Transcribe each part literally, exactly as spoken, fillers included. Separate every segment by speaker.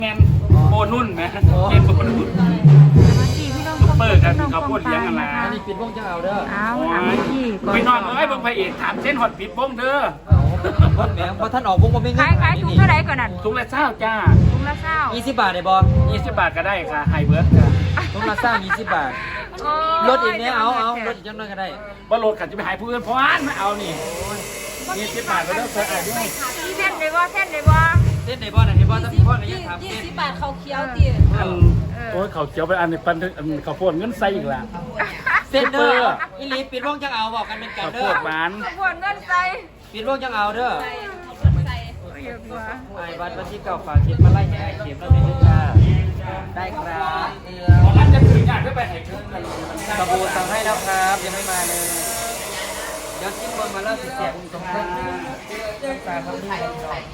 Speaker 1: แมนโบนุ่นไหมเกมโบนุ่นซุปเปอร์กันเขาพูดเลี้ยงกันละ
Speaker 2: อันนี้ปิดวงจะเอาเด้อ
Speaker 3: เอาถามพี่ก่อน
Speaker 1: ไปนอนเอ้ยเบิ่งพระเอกถามเส้นหอดปิดวงเด้อ
Speaker 2: คนแหมพอท่านออกวงก็ไม่เงิ
Speaker 3: ขายขายถุงเท่าไหร่ก่อนนั่น
Speaker 1: ถุงละเศร้าจ้า
Speaker 3: ถุงละเศร้า
Speaker 2: ยี่สิบบาทได้บ่
Speaker 1: ยี่สิบบาทก็ได้ค่ะไฮเบิร์ดค่ะ
Speaker 2: ถุงละสร้างยี่สิบบาทรถอีกเนี้ยเอาเอารถอีกจังน้อยก็ได้
Speaker 1: ว่าโหลดกันจะไปหายผู้อื่นเพราะอันไม่เอานี่ยี่สิบบาทก็ได้เท่าไหร่ด้วย
Speaker 3: เส้นเลยว่าเส้นเลยว่า
Speaker 2: เส้นไหนบ่ไหนบ่ถ้าพี่พ่อไหนยังถาม
Speaker 4: ยี่
Speaker 2: เส้น
Speaker 4: สิบบาทเขาเคี้ยวตี
Speaker 1: อันโอ้ยเขาเจียวไปอันนี้ปันอันเขาพูดเงินใส่อีกแล้ว
Speaker 2: เส้นเด้ออีหลีปิดวงจังเอาบอกกันเป็นกัน
Speaker 1: เขา
Speaker 2: เด้
Speaker 1: พู
Speaker 2: อ
Speaker 1: ดหวาน
Speaker 3: ขบวนเงินใส่
Speaker 2: ปิดวงจังเอาเด้อ
Speaker 4: ใส่
Speaker 3: เยอะกว่า
Speaker 2: ไอ้วัดวันที่เก่าฝากเข็มมาไล่ให้ไอ้เข็มแล้วเป็นจ้าได้ครับ
Speaker 1: ของอันจะถืออยากได้ไปให้เพิ่มกัน
Speaker 2: สบู่สั่งให้แล้วครับยังไม่มาเลยเดี๋ยวชิ้นบนมาแล้วสิแจกตรงนั้นตาเขาที่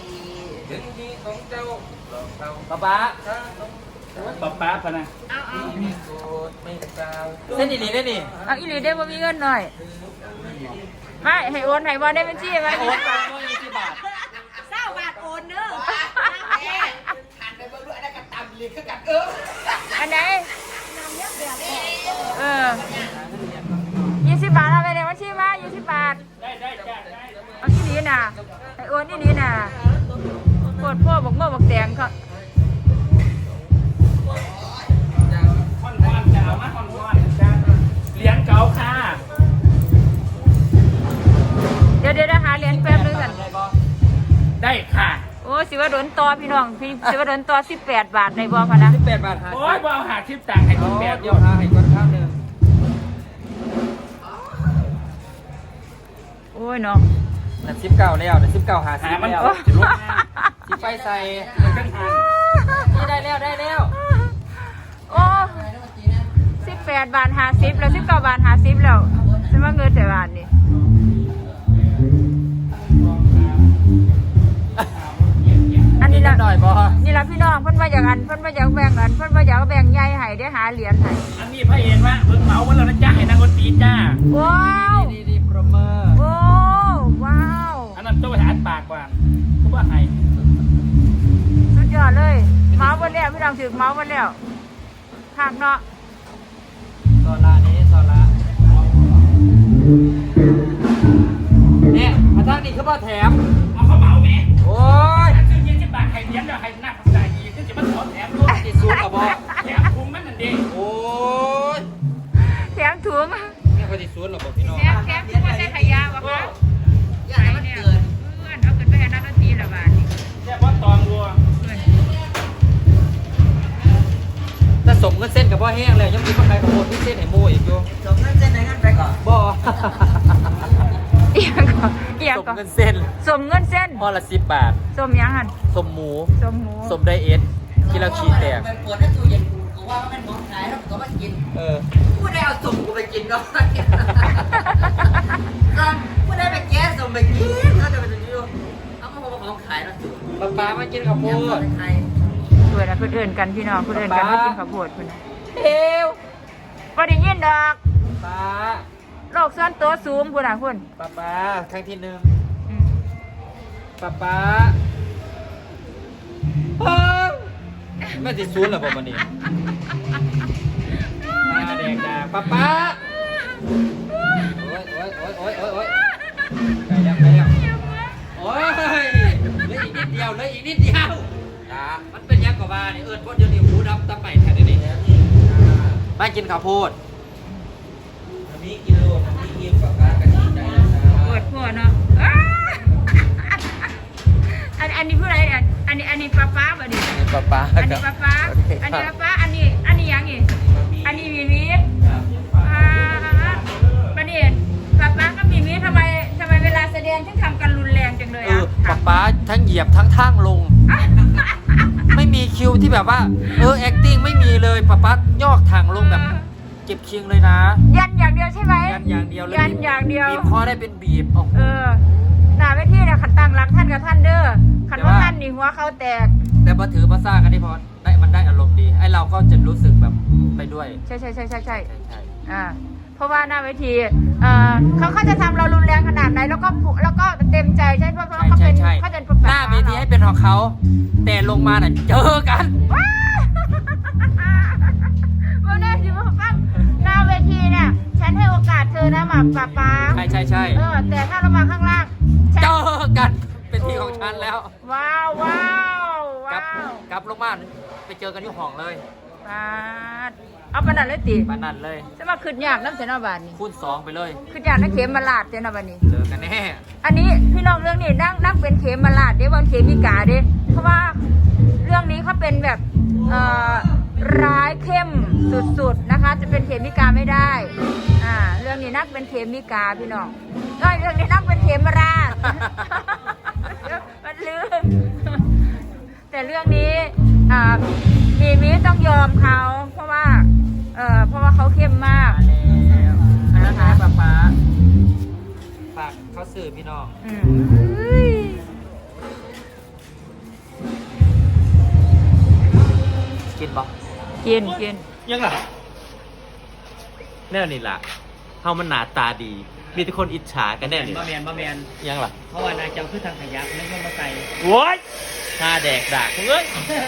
Speaker 2: ป๊าป๊า
Speaker 1: ป๊าป๊าพะนะ
Speaker 3: เอาเอา
Speaker 2: เส้นอีหลีได้นี่
Speaker 3: เอาอีหลีได้บ่มีเงินหน่อยไม่ให้โอนให้บ่ได้บัญชีมา
Speaker 2: โอนไปว่ายี่สิบบาท
Speaker 4: เศร้าบาทโอนเด้อ
Speaker 3: อันไหนเออยี่สิบบาทเอาไปเลยบัญชีมายี่สิบบาท
Speaker 1: ได้ได้จ้าได้
Speaker 3: เอาที่นี้น่ะให้โอนที่นี้น่ะโคตรพ่อบอกเมื่อบอกแตงเขา
Speaker 1: คอนวอนจะเอามาคอนวอนจ้าเลี้ยงเก่าค่ะ
Speaker 3: เดี๋ยวเดี๋ยวหาเหรียญแป๊บนึงกัน
Speaker 1: ได้ค่ะ
Speaker 3: โอ้สิว่าโดนต่อพี่น้องพี่สิว่าโดนต่อสิบแปดบาทในบ่พะนะ
Speaker 2: สิบแปดบาทหา
Speaker 1: โอ้ยบ่เอาหาทิปต่างให้คนแบ
Speaker 2: แบบ
Speaker 1: บ
Speaker 2: เดียวหาให้ก้อนข้าวหนึ่ง
Speaker 3: โอ้ยเนาะ
Speaker 2: นั่นสิบเก้าแล้วนั่นสิบเก้าหาสิ
Speaker 1: หา
Speaker 2: บ
Speaker 1: มัน
Speaker 2: แล้ว
Speaker 1: ก็จะลดงาน
Speaker 2: สิบไฟใส่
Speaker 1: ตั้งหา
Speaker 2: นี่ได้แล้วได้แล้ว
Speaker 3: โอ้สิบแปดบาทหาสิบแล้วสิบเก้าบาทหาสิบแล้วฉันว่าเงินแต่บาทนี่อันนี้ละ
Speaker 2: หน่อยบ่
Speaker 3: นี่ละพี่น้องเพิ่นว่าอยากอันเพิ่นว่าอยากแบ่งอันเพิ่นว่าอยากแบ่งใหญ่ให้ได้หาเหรียญให้
Speaker 1: อันนี้พระเอกว่าเพิ่งเหมาวันแล้วนะจ้าให้นางคนตีจ้า
Speaker 3: ว้าว
Speaker 2: ดีดีโปรเมอร์
Speaker 3: โอ้ว้าว
Speaker 1: อันนั้นต้องไปหาปากกว่าเขาว่าให้
Speaker 3: สุดยอดเลยเมาส์วันแล้วพี่น้องถึงเมาส์วันแล้วขากเนาะ
Speaker 2: โซล่านี้โซล่าเนี่ยมาทางนี้คือว่าแถม
Speaker 1: เอาเขาเหมาไหม
Speaker 2: โอ้ย
Speaker 1: ถ้าซื้อยี่สิบบาทให้เลี้ยงแล้วให้หน้าคนจ่ายอีกก็จะมาขอแถมด้วย
Speaker 2: ติดซูนกับบ่
Speaker 1: แถมคุ้มมันนั่นเอง
Speaker 2: โอ้ย
Speaker 3: แถมถุง
Speaker 2: นี่เขาติดซูนหรอบ่พี่น้อง
Speaker 3: แถมแถมถุงว่าใส่ขยะวะคะใส่เนี่ยเพื่อนเอาขึ้นไปให้นักดนตรีละบาทนี่
Speaker 1: แค่ว่าตองวัว
Speaker 3: เพื่อน
Speaker 2: แต่สมเงินเส้นกับพ่อแห้งเลยยังมีคนใครขโมยที่เส้นไหนมูอีกอยู่สมเงินเส้นไหนกันไปก่อนบ่
Speaker 3: เอียงก่อนเอียง
Speaker 2: สม
Speaker 3: ก่อน
Speaker 2: เงินเส้น
Speaker 3: สมเงินเส้น
Speaker 2: ห่อละสิบบาท
Speaker 3: สมยังหัน
Speaker 2: สมหมู
Speaker 3: สมหมู
Speaker 2: สมไดเอทที่เราขีดแตก
Speaker 5: ไปปวดให้ตู้เย็นกูว่ามันมองขายแล้วก็มากิน
Speaker 2: เออ
Speaker 5: กูได้เอาสุ่มกูไปกินก็กูได้ไปแก้สุ่มไปกินแล้วจะไปจะอยู่เอามาของขายแล้วสุ่ม
Speaker 2: ป๊าป๊ามากินข้าวโพด
Speaker 5: ไทย
Speaker 3: เพื่อนนะเพื่อนเอินกันพี่น้องเพื่อนเอินกัน
Speaker 2: ป๊า
Speaker 3: มากินข้าวโพดเพื่อน
Speaker 2: เอว
Speaker 3: พอได้ยินดอก
Speaker 2: ป๊า
Speaker 3: โลกส่วนตัวสูงพุ่นอ่ะพุ่น
Speaker 2: ป๊าป๊าครั้งที่หนึ่ง
Speaker 3: อืม
Speaker 2: ป๊าป๊าเพิ่งไม่ติดซูนหรอบอกวันนี้ตาแดงดาป๊าป๊าโอ้ยโอ้ยโอ้ยโอ้ยโอ้ยโอ้ยไปแล้วไปแล้วโอ้ยเหลืออีกนิดเดียวเหลืออีกนิดเดียวตามันเป็นยังกว่าบ้านี่เอิญพวกเดียวนี่หูดำตาไปแทนนี่มากินข้าวโพดมีกินโลมีกินป๊าป๊ากันดีใจนะ
Speaker 3: ปวดหัวเนาะอ้าอันอันนี้ผู้ใดอันอันนี้อันนี้ป้าป้าบ่ดิ
Speaker 2: ป๊าป๊า
Speaker 3: อันนี้ป้าป้าอันนี้ป้าป้าอันนี้อันนี้ยังอีกอันนี้มีมีอ่าประเด็นป้าป้าก็มีมีทำไมทำไมเวลาแสดงถึงทำกันรุนแรงจังเลย
Speaker 2: เอ
Speaker 3: อ่ะ
Speaker 2: อป๊าป๊าทั้งเหยียบทั้งทั้งลง ไม่มีคิวที่แบบว่าเออ acting ไม่มีเลยป๊าป๊ายอกทางลงแบบเก็บคิงเลยนะ
Speaker 3: ยันอย่างเดียวใช่ไหม
Speaker 2: ยันอย่างเดียวเลย
Speaker 3: ยันอย่างเดียว
Speaker 2: บีบคอได้เป็นบีบโอ้โห
Speaker 3: เออหน้าเวทีเนี่ยขันตั้งรักท่านกับท่านเด้อขันว่าท่านนี่หัวเขาแตก
Speaker 2: แต่พอถือภาษากันที่พอได้มันได้อารมณ์ดีไอเราก็จะรู้สึกแบบไปด้วย
Speaker 3: ใช่ใช่ใช่ใช่ใช่
Speaker 2: ใช่ใช่
Speaker 3: อ่าเพราะว่าหน้าเวทีเอ่อเขาเขาจะทำเรารุนแรงขนาดไหนแล้วก็แล้วก็เต็มใจใช่เพราะว่าเขาเป็นเขาเป็น
Speaker 2: หน้าเวทีให้เป็นของเขาแต่ลงมาน่ะเจอกัน
Speaker 3: ว้าววันนี้สิว่าฟังหน้าเวทีเนี่ยฉันให้โอกาสเธอนะหมากป๊าป๊า
Speaker 2: ใช่ใช่ใช่
Speaker 3: เออแต่ถ้าเรามาข้างล่างฉัน
Speaker 2: เจอกันเป็นทีของฉันแล้ว
Speaker 3: ว้าวว้าว
Speaker 2: กลั
Speaker 3: ว้า
Speaker 2: บ
Speaker 3: ว
Speaker 2: กลับลงมาไปเจอกันที่ห้องเลย
Speaker 3: ปาดเอาปานนันเลยติ
Speaker 2: มานั่นเลย
Speaker 3: จะมาขึ้นยากน้ำเสนาบานนี่
Speaker 2: คูณสองไปเลย
Speaker 3: ขึ้นยากน้ำเข็มมาลาดเสนาบานนี่
Speaker 2: เจอกันแน่
Speaker 3: อันนี้พี่น้องเรื่องนี้นั่งนั่งเป็นเข็มมาลาดเด้วันเข็มมีกาเด้เพราะว่าเรื่องนี้เขาเป็นแบบเอ่อร้ายเข้มสุดๆนะคะ จะเป็นเขมิกาไม่ได้อ่าเรื่องนี้นักเป็นเขมิกาพี่น้องก็เรื่องนี้นักเป็นเขมราช มันลืมแต่เรื่องนี้อ่ามีมิต้องยอมเขาเพราะว่าเอ่อเพราะว่าเขาเข้มมาก
Speaker 2: อันนั้นนะป๊าป๊าฝากเขาสื่อพี่น้อง
Speaker 3: อืม
Speaker 2: กินบ่
Speaker 3: กินกิน
Speaker 6: ยังล่ะแน่นี่ล่ะเฮามันหนาตาดี มีแต่คนอิจฉากันแน่นี่
Speaker 1: บะแมนบะแมน
Speaker 6: ยังล่ะ
Speaker 1: เพราะว่านายเจ้าคือทางขยักไม่ใช่มาใส่
Speaker 6: โว้ยหน้าแดกดากเอ้ย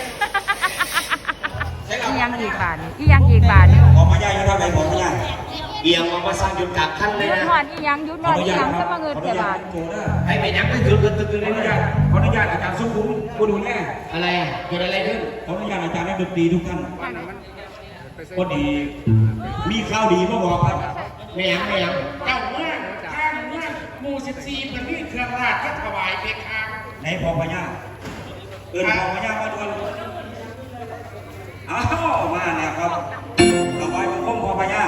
Speaker 3: อียังอีกบาทนี่อียังอีกบาทนี่
Speaker 7: ขอมาย่าอยู่ท่าไหนของเนี่ยเอียงมาว่าสร้างยุดกลางขั้นเลย
Speaker 3: ยุด
Speaker 7: นะ
Speaker 3: หอดอียังยุดหอดอียังจะมาเงินแต่บาท
Speaker 7: ให้ไปยักษ์ตึ้งตึ้งตึ้งตึ้งเลยนะขออนุญาตอาจารย์สุขุมคุณดูแลอะไรเกิดอะไรขึ้นขออนุญาตอาจารย์นักดนตรีทุกท่านพอดีมีข่าวดีมาบอกครับไม่ยังไม่ยัง
Speaker 8: เจ้าเมืองข้างเมืองหมู่สิบสี่มันมีเครื่องราชก็ถวายเพคะ
Speaker 7: ไหนพอพญาเอิญพอพญามาด่วนอ้าวมาแล้วครับถวายบังคมพอพญา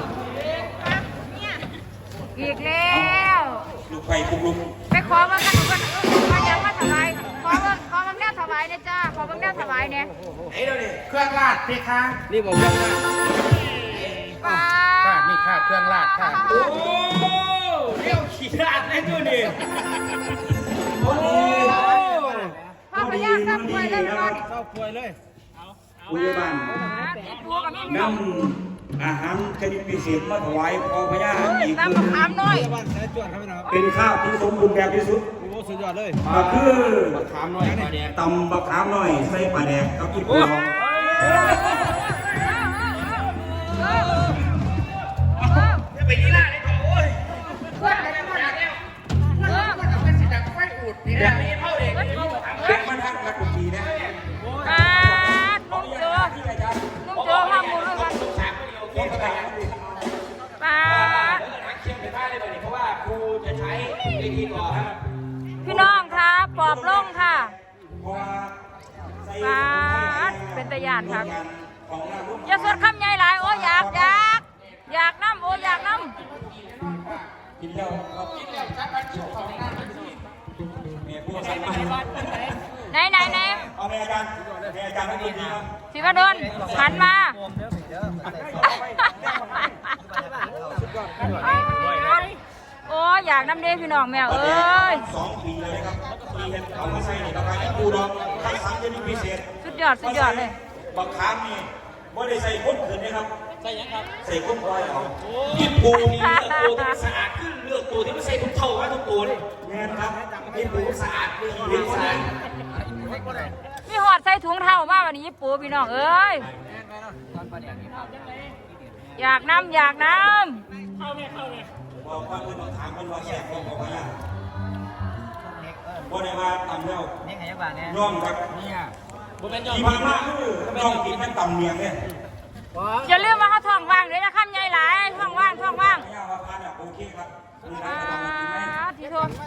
Speaker 3: อีกแล้ว
Speaker 7: ลูกไฟปุกลุก
Speaker 3: ไปขอมากันดูกันมายังมาถวายขอมาขอมาแนวถวายเนี่ยจ้าขอมาแนวถวายเนี่ย
Speaker 7: ไหนเราเนี่ย
Speaker 8: เครื่องราชเพคะ
Speaker 2: นี่บอกว่า
Speaker 3: ป้า
Speaker 8: ค่ะนี่ค่ะเครื่องราชค่ะ
Speaker 7: โอ้
Speaker 1: เรียวขี้ราดเลยดูดิ
Speaker 7: พอดี
Speaker 3: พ่อพญาทราบป่วยเลยมัน
Speaker 1: เข้าป่วยเลย
Speaker 7: ผู้ใหญ่บ้าน
Speaker 3: ตัวกับแม่
Speaker 7: นำอาหารชนิดพิเศษมาถวายพอพญาอีก
Speaker 3: น้ำมะขามน้อย
Speaker 1: บ้านสายจวดครับพี่น้อง
Speaker 7: เป็นข้าวที่สมบูรณ์แบบที่สุด
Speaker 1: โอ้สุดยอดเลย
Speaker 7: ก็คือ
Speaker 1: ขามน้อยมาแดง
Speaker 7: ตำบะขามหน่อยใส่ปลาแดกกับอีกตัว
Speaker 8: ไปยี่ล่าเลยก่อนโอ้ย
Speaker 3: เพื่อนเลยเพื่อนเลยเออ
Speaker 8: เอาเป็นสีดำไฟอุดนี่นะมีเท่าเด็ก
Speaker 7: เป็นมาทักนักดนตรีนะ
Speaker 3: อ่านุ่มโจนุ่มโจห้ามมูลด้วยกันป้าพี่น้องคะปอบลงค่ะ
Speaker 7: เพราะว่าใส่
Speaker 3: ป้าดเป็นตะยานครับอย่าสวดคำใหญ่หลายโอ้อยากอยากอยากน้ำโอ้อยากน้
Speaker 7: กินแล้วครับกินแล้วชักกันชิวของหน้าเมียผู้ใส่มา
Speaker 3: ำไหนไหนไหน
Speaker 7: เอาแม่อาจารย์แม่อาจารย์นักดนตรีครับ
Speaker 3: สิวดลหันมาโอ้อยากน้ำเด้พี่น้องแมวเอ้ย
Speaker 7: สองปีเลยครับปีเห็นเอามาใส่ในประกาศปูดองคัดสรรชนิดพิเศษ
Speaker 3: สุดยอดสุดยอดเลย
Speaker 7: บางครั้งนี่ไม่ได้ใส่ข้นขืนนะครับ ใส่ยังครับ ใส่ข้นควายเอาที่ปูนี่เลือกตัวที่มันสะอาดขึ้นเลือกตัวที่มันใส่ทุกเท่าไว้ทุกตัวเลยแม่นครับที่ปูสะอาดเรื่องเรื่องสะอาด
Speaker 3: มีหอดใส่ถุงเท้ามากวันนี้ปูพี่น้องเอ้ยอยากน้ำอยากน้
Speaker 7: บอกว่าเพื่อนถามเพื่อนว่าแซ่บบอกบอกว่าอย่างบ่ได้ว่าตำแล้ว
Speaker 2: นี่ไงบ้างเนี่ย
Speaker 7: ย่อมครับ
Speaker 2: เนี่ยบุเป็นยอด
Speaker 7: ที่ผ่านมาคือย่อมกินมันตำเมียงเนี่ย
Speaker 3: ำอย่าลืมว่าเขาท้องว่างเลยนะคำใหญ่หลายท้องว่างท้องว่าง
Speaker 7: ไม่ยากว่าพานเนี่ยโอเคครับมีอะไร
Speaker 3: อ่า
Speaker 7: ก็ต้องกินไหม
Speaker 3: ทีโทษ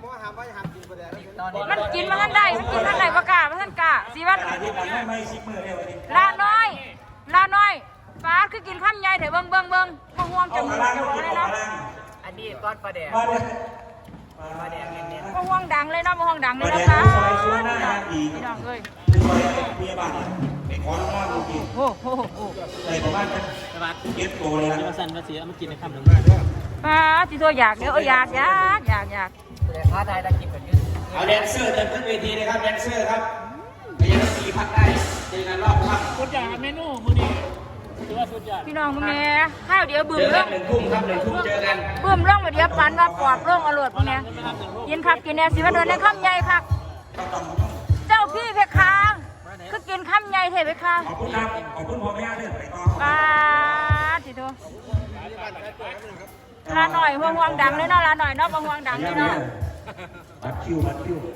Speaker 3: มันกินมาท่านใดมันกินท่านใดประกาศมาท่านกาสีวัด
Speaker 7: อาทิตย์ละไม่ไม่ซิกมือเดียววันนี้
Speaker 3: ลาน้อยลาน้อยฟ้าคือกินข้ามใหญ่เถอะเบิ้งเบิ้งเบิ้งมาห่วงจ
Speaker 7: เอา
Speaker 3: มู
Speaker 7: ก
Speaker 3: ก
Speaker 7: ระ
Speaker 3: จ
Speaker 7: ลัง
Speaker 3: มูก
Speaker 7: กิน
Speaker 3: เลย
Speaker 7: เอา
Speaker 3: เนาะ
Speaker 7: กระลัง
Speaker 2: อันนี้ก้อนปลาแดง
Speaker 7: มาเนี่ย
Speaker 2: ปลาแดงเงี้ย
Speaker 3: มาห่วงดังเลยเนาะมาห่วงดังเลย
Speaker 7: มา
Speaker 3: นะ
Speaker 7: แดง
Speaker 3: คะ
Speaker 7: ซอยซัวหน้าอีก
Speaker 3: พี่น้องเอ้ย
Speaker 7: ซอยเมียบ้านไปขอน้องว่าลูกกิน
Speaker 3: โอ้โหโอ้
Speaker 7: ใส่ประมาณเก็บโตเลยนะ
Speaker 1: มาสั่นมาเสียมากินในคำหนึ่ง
Speaker 3: ฟ้าทีโทษอยากเดี๋ยวเอออยากอยากอยากอยาก
Speaker 2: ท้าทายตะกินกันยืด
Speaker 5: เอาแดนเซอร์เดินขึ้นเวทีเลยครับแดนเซอร์ครับพยายามตีพักได้เจอกันรอบครับ
Speaker 1: คนอยากเมนูมือนี้
Speaker 3: พี่น้องมึงแม่ข้าวเดี๋ยวบึ้ม
Speaker 7: เจอ
Speaker 3: เรื่
Speaker 7: กั
Speaker 3: อน ง
Speaker 7: หนึ่งทุ่มครับหนึ่งทุ่มเจอกัน
Speaker 3: บึ้มเรื่องมาเดี๋ยวปันว่าปอบเรื่องอรวดมึงแม่กินครับกินแน่สิว่าโดนในข้ามใหญ่ครับเจ้าพี่เพคะคือกินข้ามใหญ่เทเพคะ
Speaker 7: ขอบคุณครับขอบคุณพ่อแม่ด้วยไปต่อ
Speaker 3: ป้าทีโตลาหน่อยห่วงห่วงดังเลยเนาะลาหน่อยเนาะบางห่วงดังเลยเนาะ
Speaker 7: บัตรคิวบัตรคิว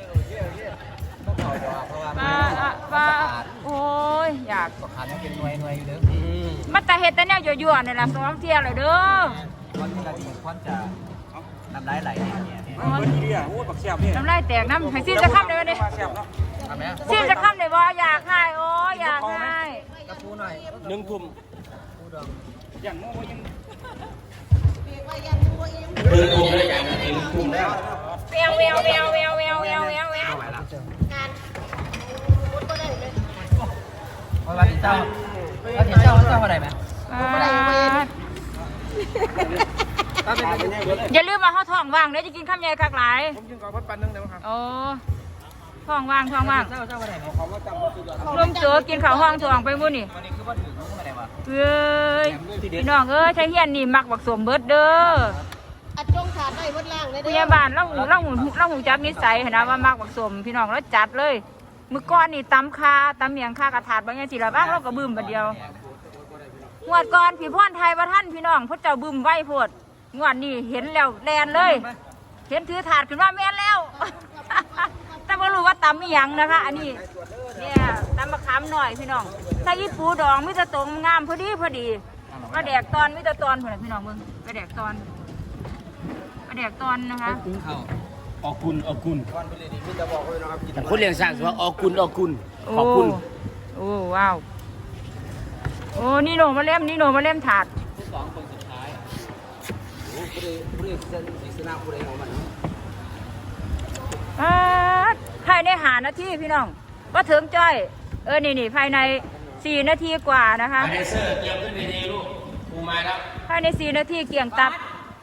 Speaker 3: ป้าป้าโอ้ยอยาก
Speaker 2: ขาดยังเป็นหน่วยหน่วยอยู่เด้อ
Speaker 3: มาแต่เห็ดแต่แนวยั่วๆนี่ล่ะสองเที่ยเลยเด้อ
Speaker 2: วันนี้เราที่ควันจะน้ำลายไหลเนี่ยเนี่ย
Speaker 3: น้ำลายแตกน้ำให้ซีจะข้ามได้ไหมเนี่ย
Speaker 2: ทำไหม
Speaker 3: ซีจะข้ามได้บ่อยากให้โอ้ยอยากให้
Speaker 2: กระปูหน่อย
Speaker 1: หนึ่งทุ่ม
Speaker 7: เดินกลุ่มด้วยกันเองกลุ่มแล้ว
Speaker 3: แววแววแววแววแววแววแววแวว
Speaker 2: เพราะว่าเจ้าเราเห็นเจ้าเจ้าอะไรไหม
Speaker 3: อย่าลืมมาเข้าท้องว่างเดี๋ยวจะกินข้ามใหญ่คักหลายผมกินก่อนพัดปันนึงเดี๋ยวครับโอ้ท้องว่างท้องว่าง
Speaker 2: เจ้าเจ้าอะไรไหม
Speaker 3: รวมเจอกินข้าวห้องท้องไปมื้อนี่
Speaker 2: วันนี้คือว่าถืออะไรวะ
Speaker 3: เอ้ยพี่น้องเอ้ยใช้เฮียนนี่มักบักสมเบิดเด้อ
Speaker 4: อัดจงขาดได้วัดล่างเลย
Speaker 3: พยาบาลเล่าหูเล่าหูเล่าหูจักนิสัยนะว่ามักบักสมพี่น้องแล้วจัดเลยมื้อก่อนนี่ตำคาตำเมียงคากระถาดบางอย่างสิละบ้างเราก็บึ้มบัดเดียวงวดก่อนพี่พรไทยว่าท่านพี่น้องพระเจ้าบึ้มไว้โพดงวดนี้เห็นแล้วแลนเลย เห็นถือถาดขึ้นมาแม่นแล้ว แต่ไม่รู้ว่าตำอีหยังนะคะ อันนี้เนี่ยตำมะขามหน่อยพี่น้องใส่อีปูดองมิตรตรงงามพอดีพอดีกระแดกตอนมิตรตอนพอดีพี่น้องมึงกระแดกตอนกระแดกตอนนะคะ
Speaker 1: ออกกุลออกกุลแต่คนเลี้ยงสร้างสิว่าออกกุลออกกุลขอบคุณ
Speaker 3: โอ้ว้าวโอ้นี่โหนมาเล่มนี่โหนมาเล่มถาดอ่าภายในหานาทีพี่น้องว่าถึงจ้อยเออนี่นี่ภายในสี่นาทีกว่านะคะ
Speaker 1: ไอเซอร์เกี่ยวขึ้นในนี้ลูกกูมาแล้ว
Speaker 3: ภายในสี่นาทีเกี่ยงตับ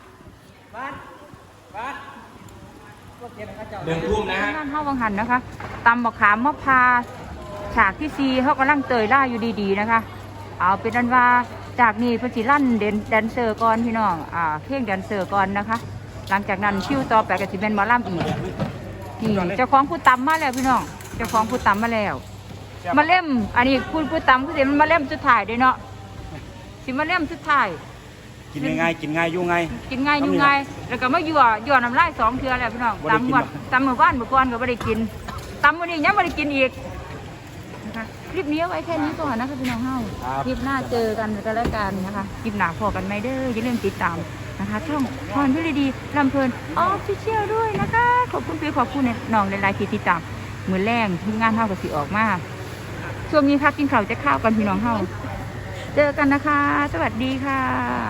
Speaker 1: หนึ่งทุ่มนะฮะ
Speaker 3: งานห้าวังหันนะคะตำมะขามมะพร้าวฉากที่ซีเขากำลังเตยล่าอยู่ดีๆนะคะ เอาเป็นอันว่าจากนี้เพจิลั่นเดนแดนเซอร์ก่อนพี่น้องอ่าเพลงแดนเซอร์ก่อนนะคะ หลังจากนั้นคิวต่อไปก็จะเป็นหมอลำอีกนี่เจ้าของผู้ตำมาแล้วพี่น้องเจ้าของผู้ตำมาแล้วมาเล่มอันนี้ผู้ผู้ตำคือสิมันมาเล่มสุดท้ายเด้เนาะสิมาเล่มสุดท้าย
Speaker 7: กินง่ายกินง่ายยุ่งง่าย
Speaker 3: กินง่ายอยู่ง่ายแล้วก็มาหยั่วหยั่วน้ำลายสองเทือแล้วพี่น้อง
Speaker 7: บ่ได้กิน
Speaker 3: ตำหมด
Speaker 7: หรอ
Speaker 3: ตำหมู่บ้านหมู่ก้อนก็ไม่ได้กินตำวันนี้ยังไม่ได้กินอีกนะคะคลิปนี้เอาไว้แค่นี้ก่อนนะคะพี่น้องเฮาคลิปหน้าเจอกันกันแล้วกันนะคะคลิปหน้าพอกันไหมเด้ออย่าลืมติดตามนะคะช่องพรพิรดีลำเพลินออฟฟิเชียลด้วยนะคะขอบคุณพี่ขอบคุณน้องหลายๆที่ติดตามมือแรงที่งานเฮากับสิออกมาช่วงนี้พักกินข้าวจะข้าวกันพี่น้องเฮาเจอกันนะคะ สวัสดีค่ะ